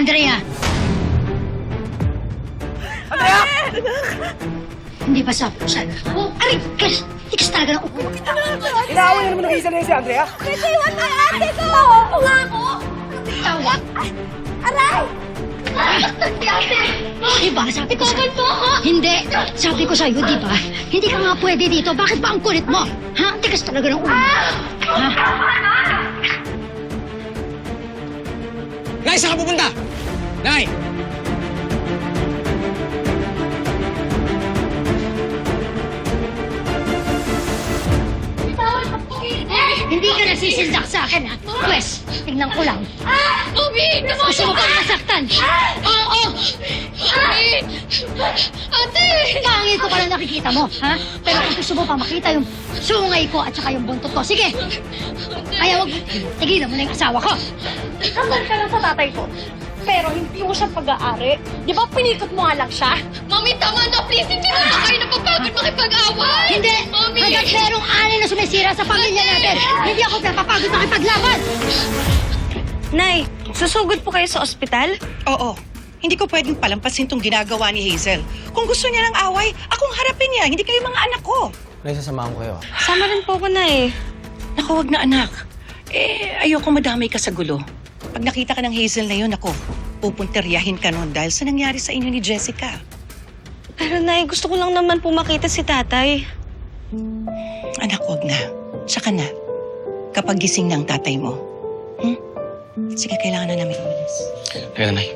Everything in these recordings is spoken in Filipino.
Andrea! Andrea! Hindi ba sabi ko sa'yo? Oh, aray! Hindi kasi talaga na upo. Inaaway na naman ng isa na yun si Andrea. Kasi iwan mo yung ate ko! Upo nga ako! Tawag! Aray! Si ate! Diba? Sabi ko sa'yo. Hindi! Sabi ko sa'yo, di ba? Hindi ka nga pwede dito. Bakit ba ang kulit mo? Ha? Hindi kasi talaga na upo. Ha? Nay, saan ka pupunta? Nay! Hindi ka nasisindak sa akin, ha? Pwes, tingnan ko lang. Bobby! Gusto mo pang masaktan? Oo! Ate! Ate! Pangit ko pala nakikita mo, ha? Pero kung gusto mo pa makita yung sungay ko at saka yung buntot ko, sige! Kaya wag, tigilan mo na yung asawa ko. Kasal ka lang sa tatay ko. Pero hindi mo siya pag-aari. Di ba pinikot mo nga lang siya? Mami, tama na! Please, hindi mo na kayo napapagod makipag-away! Hindi! Mami! Hanggat merong alin na sumisira sa pamilya natin, hindi ako napapagod makipaglaban! Nay, susugod po kayo sa ospital? Oo. Hindi ko pwedeng palampasin tong ginagawa ni Hazel. Kung gusto niya ng away, akong harapin niya. Hindi kayo mga anak ko. Nay, sasamahan ko kayo. Sama rin po ko na eh. Naku, wag na anak. Ayoko madamay ka sa gulo. Pag nakita ka ng Hazel na yun, ako, pupunteryahin ka nun dahil sa nangyari sa inyo ni Jessica. Pero Nay, gusto ko lang naman po makita si tatay. Anak, wag na. Saka na. Kapag gising ng tatay mo. Sige, kailangan na namin umalis. Teka na, Nay.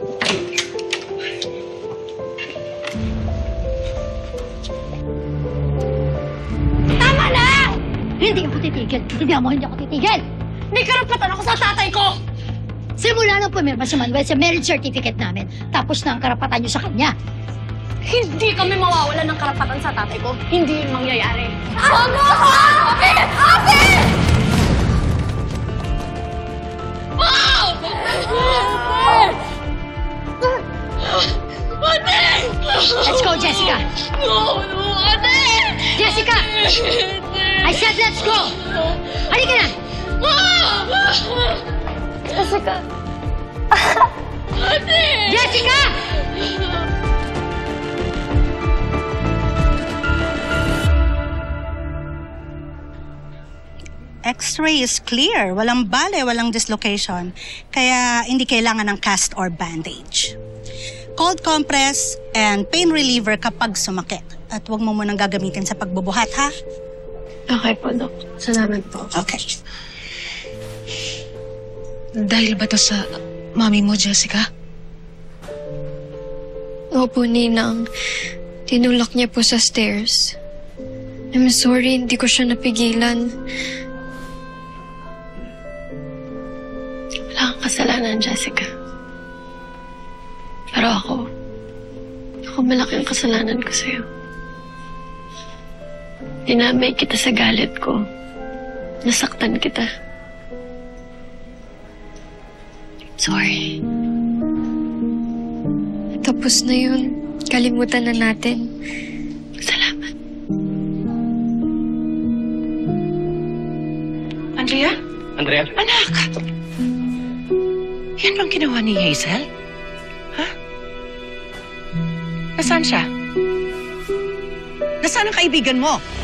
Tama na! Hindi ako titigil. Hindi ako titigil. May karapatan ako sa tatay ko! Simula nang pumirma si Manuel sa marriage certificate namin, tapos na ang karapatan niyo sa kanya. Hindi kami mawawala ng karapatan sa tatay ko. Hindi yun mangyayari. Ano? Ate! Ate! Wow! Ate! Let's go, Jessica! No, ate! Jessica! I said let's go! Halika na! Jessica. Ate! Jessica! X-ray is clear. Walang bale, walang dislocation. Kaya hindi kailangan ng cast or bandage. Cold compress and pain reliever kapag sumakit. At huwag mo munang gagamitin sa pagbubuhat, ha? Okay po, Dok. Salamat po. Okay. Dahil ba to sa mami mo, Jessica? Opo, Ninang. Tinulak niya po sa stairs. I'm sorry, hindi ko siya napigilan. Wala kang kasalanan, Jessica. Pero ako malaki ang kasalanan ko sa'yo. Dinamay kita sa galit ko. Nasaktan kita. Sorry. Tapos na yun. Kalimutan na natin. Salamat. Andrea? Andrea? Anak! Yan bang ginawa ni Hazel? Ha? Nasaan siya? Nasaan ang kaibigan mo?